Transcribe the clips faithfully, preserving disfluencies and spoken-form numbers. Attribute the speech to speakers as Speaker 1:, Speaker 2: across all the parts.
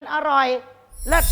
Speaker 1: อร่อยเลิศ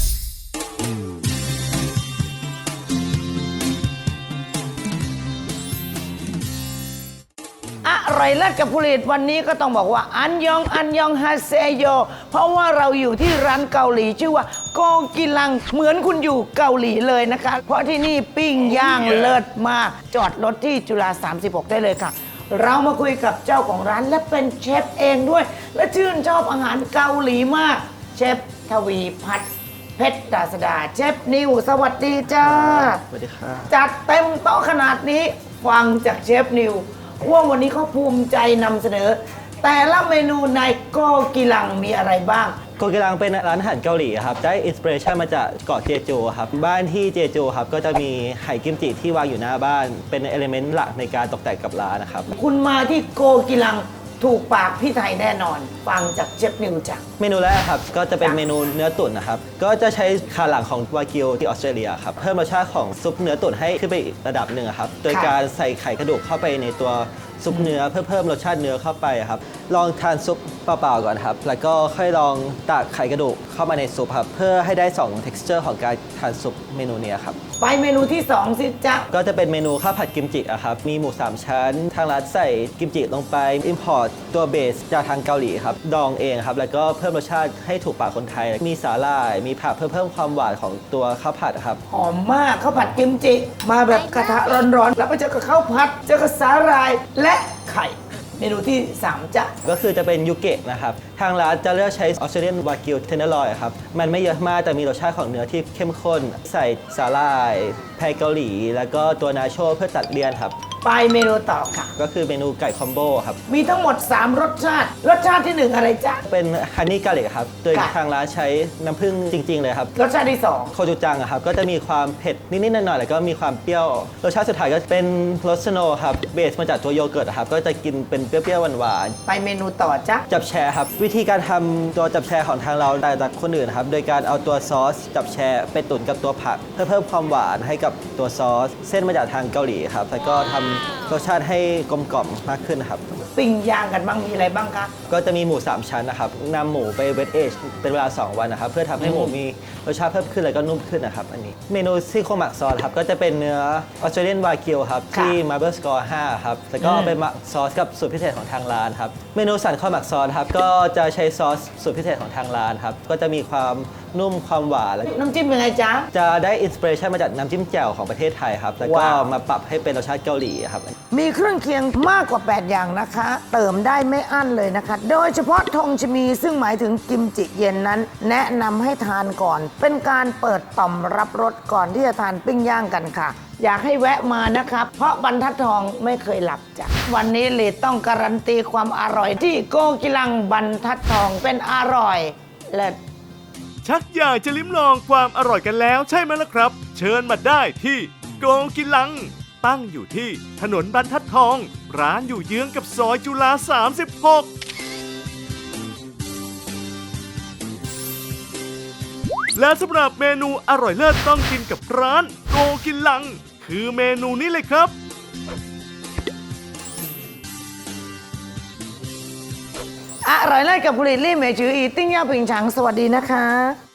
Speaker 1: อร่อยเลิศกับผลิตวันนี้ก็ต้องบอกว่าอันยองอันยองฮาเซโยเพราะว่าเราอยู่ที่ร้านเกาหลีชื่อว่าโกกิลังเหมือนคุณอยู่เกาหลีเลยนะคะ เพราะที่นี่ปิ้งย่างเลิศมากจอดรถที่จุฬาสามสิบหกได้เลยค่ะเรามาคุยกับเจ้าของร้านและเป็นเชฟเองด้วยและชื่นชอบอาหารเกาหลีมากเชฟทวีพัฒน์เพชรดาษดาเชฟนิวสวัสดีจ้า
Speaker 2: สวัสดีครับ
Speaker 1: จัดเต็มโต๊ะขนาดนี้ฟังจากเชฟนิวว่าวันนี้เขาภูมิใจนำเสนอแต่ละเมนูในโกกิลังมีอะไรบ้าง
Speaker 2: โกกิลังเป็นร้านอาหารเกาหลีครับได้อินสปิเรชันมาจากเกาะเจโจครับบ้านที่เจโจครับก็จะมีไหกิมจิที่วางอยู่หน้าบ้านเป็นเอลิเมนต์หลักในการตกแต่งกับร้านนะครับ
Speaker 1: คุณมาที่โกกิลังถูกปากพี่ไทยแน่นอนฟังจากเชฟนิวจ้ะ
Speaker 2: เมนูแรกครับก็จะเป็นเมนูเนื้อตุ๋นนะครับก็จะใช้ขาหลังของวากิวที่ออสเตรเลียครับเพิ่มรสชาติของซุปเนื้อตุ๋นให้ขึ้นไปอีกระดับหนึ่งครับโดยการใส่ไข่กระดูกเข้าไปในตัวซุปเนื้อเพื่อเพิ่มรสชาติเนื้อเข้าไปครับลองทานซุปเปล่าๆก่อนครับแล้วก็ค่อยลองตักไข่กระดูกเข้ามาในซุปครับเพื่อให้ได้สอง texture ของการทานซุปเมนูนี้ครับ
Speaker 1: ไปเมนูที่สองสิจ๊ะ
Speaker 2: ก็จะเป็นเมนูข้าวผัดกิมจิอะครับมีหมูสามชั้นทางร้านใส่กิมจิลงไป import ตัวเบสจากทางเกาหลีครับดองเองครับแล้วก็เพิ่มรสชาติให้ถูกปากคนไทยมีสาหร่ายมีผักเพื่อเพิ่มความหวานของตัวข้าวผัดครับ
Speaker 1: หอมมากข้าวผัดกิมจิมาแบบกระทะร้อนๆแล้วไปเจอกับข้าวผัดเจอกับสาหร่ายและไข่เมนูที่สามจ้ะ
Speaker 2: ก็คือจะเป็นยูเกะนะครับทางร้านจะเลือกใช้ออสเตรเลียนวากิวเทนเนอร์ลอยครับมันไม่เยอะมากแต่มีรสชาติของเนื้อที่เข้มข้นใส่สาหร่ายไทยเกาหลีแล้วก็ตัวนาโชเพื่อตัดเลี่ยนครับ
Speaker 1: ไปเมนูต่อค่ะ
Speaker 2: ก็คือเมนูไก่คอมโบครับ
Speaker 1: มีทั้งหมดสามรสชาติรสชาติที่หนึ่งอะไรจ๊ะ
Speaker 2: เป็นฮันนี่กาลิกครับโดยทางร้านใช้น้ำผึ้งจริงๆเลยครับ
Speaker 1: รสชาติที่สอง
Speaker 2: โคจูจังครับก็จะมีความเผ็ดนิดๆหน่อยๆแล้วก็มีความเปรี้ยวรสชาติสุดท้ายก็เป็นรสสโนว์ครับเบสมาจากตัวโยเกิร์ตครับก็จะกินเป็นเปรี้ยวๆหวาน
Speaker 1: ๆไปเมนูต่อจ๊ะ
Speaker 2: จับแชร์ครับวิธีการทำตัวจับแชร์ของทางเราต่างจากคนอื่นครับโดยการเอาตัวซอสจับแชร์ไปตุ๋นกับตัวผักเพื่อเพิ่มความหวานให้กับตัวซอสเส้นมาจากทางเกาหลีครับแล้วก็ทำรสชาติให้กลมกล่อมมากขึ้นครับ
Speaker 1: ปิ้งย่างกันบ้างมีอะไรบ้างคะ
Speaker 2: ก็จะมีหมูสามชั้นนะครับนำหมูไปเวทเอจเป็นเวลาสองวันนะครับเพื่อทำให้หมูมีรสชาติเพิ่มขึ้นแล้วก็นุ่มขึ้นนะครับอันนี้เมนูซี่โครงหมักซอสครับก็จะเป็นเนื้อออสเตรเลียนวากิวครับที่ Marble Score ห้าครับแล้วก็ไปหมักซอสกับสูตรพิเศษของทางร้านครับเมนูสันข้าวหมักซอสครับก็จะใช้ซอสสูตรพิเศษของทางร้านครับก็จะมีความนุ่มความหวาน
Speaker 1: น้ำจิ้มเป็นไงจ๊ะ
Speaker 2: จะได้อินสปิเรชันมาจากน้ำจิ้มแจ่วของประเทศไทยครับแล้วก็มาปรับให้เป็นรสชาติเกาหลีครับ
Speaker 1: มีเครื่องเคียงมากกว่าแปดอย่างนะคะเติมได้ไม่อั้นเลยนะคะโดยเฉพาะทงชมีซึ่งหมายถึงกิมจิเย็นนั้นแนะนำให้ทานก่อนเป็นการเปิดต่อมรับรสก่อนที่จะทานปิ้งย่างกันค่ะอยากให้แวะมานะครับเพราะบรรทัดทองไม่เคยหลับจ้ะวันนี้เลดต้องการันตีความอร่อยที่โกกิลังบรรทัดทองเป็นอร่อยเลิศ
Speaker 3: ชักอยากจะลิ้มลองความอร่อยกันแล้วใช่ไหมล่ะครับเชิญมาได้ที่โกกิลังตั้งอยู่ที่ถนนบรรทัดทองร้านอยู่เยื้องกับซอยจุฬาสามสิบหกและสำหรับเมนูอร่อยเลิศต้องกินกับร้านโกกิลังคือเมนูนี้เลยครับ
Speaker 1: อร่อยเลิศกับผลิตลี่เหมยจืออีติ้งย่าผิงฉังสวัสดีนะคะ